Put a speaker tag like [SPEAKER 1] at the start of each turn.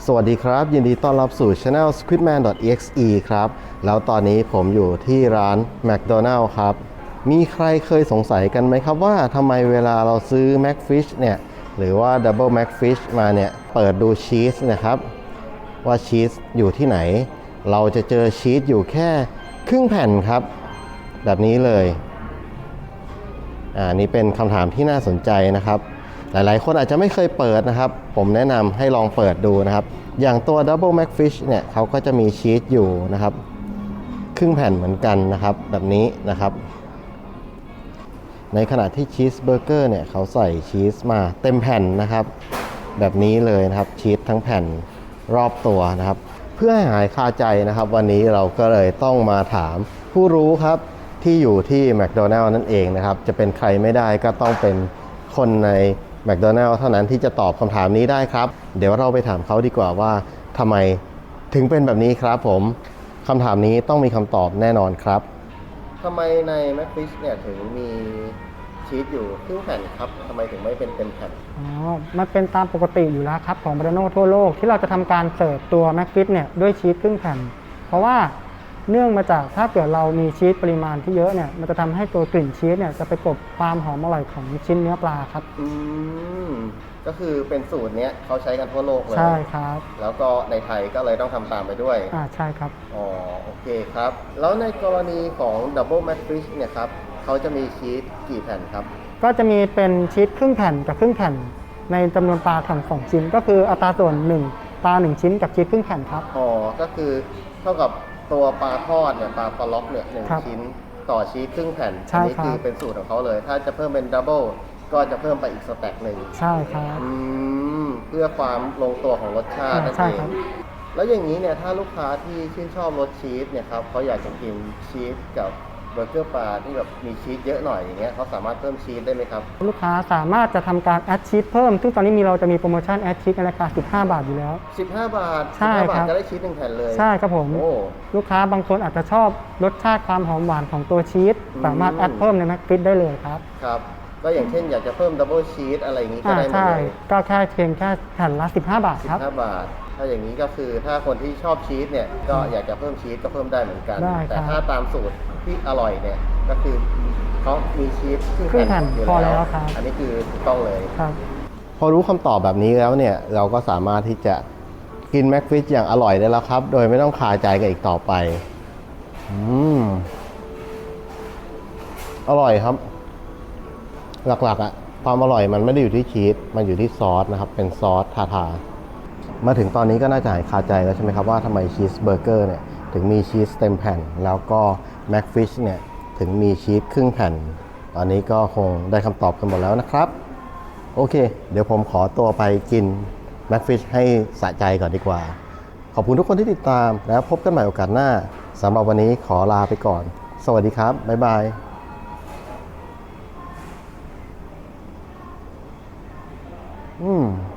[SPEAKER 1] สวัสดีครับยินดีต้อนรับสู่ Channel squidman.exe ครับแล้วตอนนี้ผมอยู่ที่ร้าน McDonald's ครับมีใครเคยสงสัยกันไหมครับว่าทำไมเวลาเราซื้อ McFish เนี่ยหรือว่า Double McFish มาเนี่ยเปิดดูชีสนะครับว่าชีสอยู่ที่ไหนเราจะเจอชีสอยู่แค่ครึ่งแผ่นครับแบบนี้เลยนี่เป็นคำถามที่น่าสนใจนะครับหลายๆคนอาจจะไม่เคยเปิดนะครับผมแนะนำให้ลองเปิดดูนะครับอย่างตัว Double McFish เนี่ยเขาก็จะมีชีสอยู่นะครับครึ่งแผ่นเหมือนกันนะครับแบบนี้นะครับในขณะที่ชีสเบอร์เกอร์เนี่ยเขาใส่ชีสมาเต็มแผ่นนะครับแบบนี้เลยนะครับชีสทั้งแผ่นรอบตัวนะครับเพื่อให้หายคาใจนะครับวันนี้เราก็เลยต้องมาถามผู้รู้ครับที่อยู่ที่ McDonald's นั่นเองนะครับจะเป็นใครไม่ได้ก็ต้องเป็นคนใน McDonald's เท่านั้นที่จะตอบคำถามนี้ได้ครับเดี๋ยวเราไปถามเขาดีกว่าว่าทำไมถึงเป็นแบบนี้ครับผมคำถามนี้ต้องมีคำตอบแน่นอนครับทำไมใน McFish เนี่ยถึงมีชีสอยู่ครึ่งแผ่นครับทำไมถึงไม่เป็นเต็มแผ่น
[SPEAKER 2] มันเป็นตามปกติอยู่แล้วครับของแมคโดนัลด์ทั่วโลกที่เราจะทำการเสิร์ฟตัวแม็กฟิชเนี่ยด้วยชีสครึ่งแผ่นเพราะว่าเนื่องมาจากถ้าเกิดเรามีชีสปริมาณที่เยอะเนี่ยมันจะทำให้ตัวกลิ่นชีสเนี่ยจะไปกลบความหอมอร่อยของชิ้นเนื้อปลาครับ
[SPEAKER 1] ก็คือเป็นสูตรนี้เขาใช้กันทั่วโลกเลย
[SPEAKER 2] ใช่ครับ
[SPEAKER 1] แล้วก็ในไทยก็เลยต้องทำตามไปด้วย
[SPEAKER 2] ใช่ครับ
[SPEAKER 1] โอเคครับแล้วในกรณีของ Double McFish เนี่ยครับเขาจะมีชีสกี่แผ่นครับ
[SPEAKER 2] ก็จะมีเป็นชีสครึ่งแผ่นกับครึ่งแผ่นในจำนวนปลาทั้ง2ชิ้นก็คืออัตราส่วน1ปลา1ชิ้นกับชีสครึ่งแผ่นครับ
[SPEAKER 1] ก็คือเท่ากับตัวปลาทอดเนี่ยปลาล็อกเนี่ย1ชิ้นต่อชีสครึ่งแผ่นอันนี้คือเป็นสูตรของเขาเลยถ้าจะเพิ่มเป็นดับเบิลก็จะเพิ่มไปอีกสแต็กหนึ่ง
[SPEAKER 2] ใช่ครับ
[SPEAKER 1] เพื่อความลงตัวของรสชาตินั่นเองแล้วอย่างนี้เนี่ยถ้าลูกค้าที่ชื่นชอบรสชีสเนี่ยครับเขาอยากจะกินชีสกับเบอร์เกอร์ปลาที่แบบมีชีสเยอะหน่อยอย่างเงี้ยเขาสามารถเพิ่มชีสได้ไหมครับ
[SPEAKER 2] ลูกค้าสามารถจะทำการแอดชีสเพิ่มซึ่งตอนนี้เราจะมีโปรโมชั่นแอดชีสในราคา15 บาทอยู่แล้ว
[SPEAKER 1] 15 บาท
[SPEAKER 2] ใช่ครับ
[SPEAKER 1] จะได้ชีส1แผ่นเลย
[SPEAKER 2] ใช่ครับผมลูกค้าบางคนอาจจะชอบรสชาติความหอมหวานของตัวชีสสามารถแอดเพิ่มในแม็กฟิชได้เลยครับ
[SPEAKER 1] ครับก็อย่างเช่นอยากจะเพิ่มดับเบิลชีสอะไรอย่างนี้ก็ได้หมดเลย
[SPEAKER 2] ก็แค่เพียงแค่แผ่นละ15 บาทครับ
[SPEAKER 1] 15 บาทถ้าอย่างนี้ก็คือถ้าคนที่ชอบชีสเนี่ยก็อยากจะเพิ่มชีสก็เพิ่มได้เหมือนกันแต่ถ้าตามสูตรที่อร่อยเนี่ยก็คือเขามีชีสครึ่งแผ่นอยู่แล้วอันนี้คือถูกต้องเลยพอรู้คำตอบแบบนี้แล้วเนี่ยเราก็สามารถที่จะกินแม็กฟิชอย่างอร่อยได้แล้วครับโดยไม่ต้องคาใจกันอีกต่อไปอร่อยครับหลักๆความอร่อยมันไม่ได้อยู่ที่ชีสมันอยู่ที่ซอสนะครับเป็นซอสทามาถึงตอนนี้ก็น่าจะหายคาใจแล้วใช่ไหมครับว่าทำไมชีสเบอร์เกอร์เนี่ยถึงมีชีสเต็มแผ่นแล้วก็แม็กฟิชเนี่ยถึงมีชีสครึ่งแผ่นตอนนี้ก็คงได้คำตอบกันหมดแล้วนะครับโอเคเดี๋ยวผมขอตัวไปกินแม็กฟิชให้สะใจก่อนดีกว่าขอบคุณทุกคนที่ติดตามแล้วพบกันใหม่โอกาสหน้าสำหรับวันนี้ขอลาไปก่อนสวัสดีครับบ๊ายบาย